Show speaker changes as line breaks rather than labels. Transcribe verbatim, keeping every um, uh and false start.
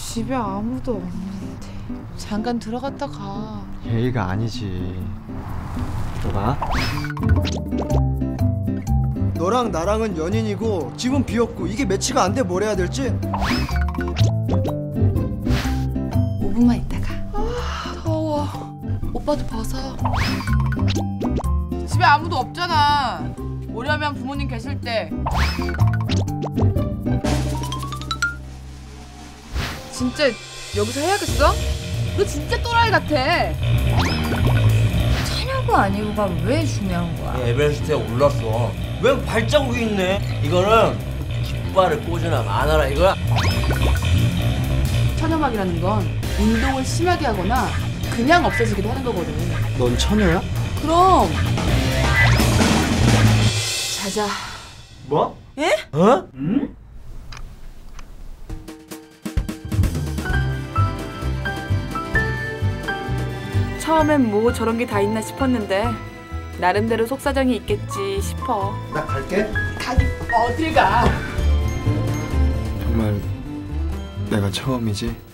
집에 아무도 없는데. 잠깐 들어갔다 가.
예의가 아니지. 들어가.
너랑 나랑은 연인이고 집은 비었고 이게 매치가 안 돼 뭘 해야 될지?
오 분만 있다가. 아, 더워. 오빠도 벗어. 집에 아무도 없잖아. 오려면 부모님 계실 때. 진짜 여기서 해야겠어? 너 진짜 또라이 같아.
차냐고 아니고가 왜 중요한 거야?
에베레스트에 올랐어. 왜 발자국이 있네? 이거는 깃발을 꽂으나 마나라 이거야.
천연막이라는 건 운동을 심하게 하거나 그냥 없어지기도 하는 거거든.
넌 처녀야?
그럼. 자자.
뭐?
예?
어?
응?
처음엔 뭐 저런 게 다 있나 싶었는데 나름대로 속사정이 있겠지 싶어.
나 갈게.
가기 어딜 가?
정말 내가 처음이지?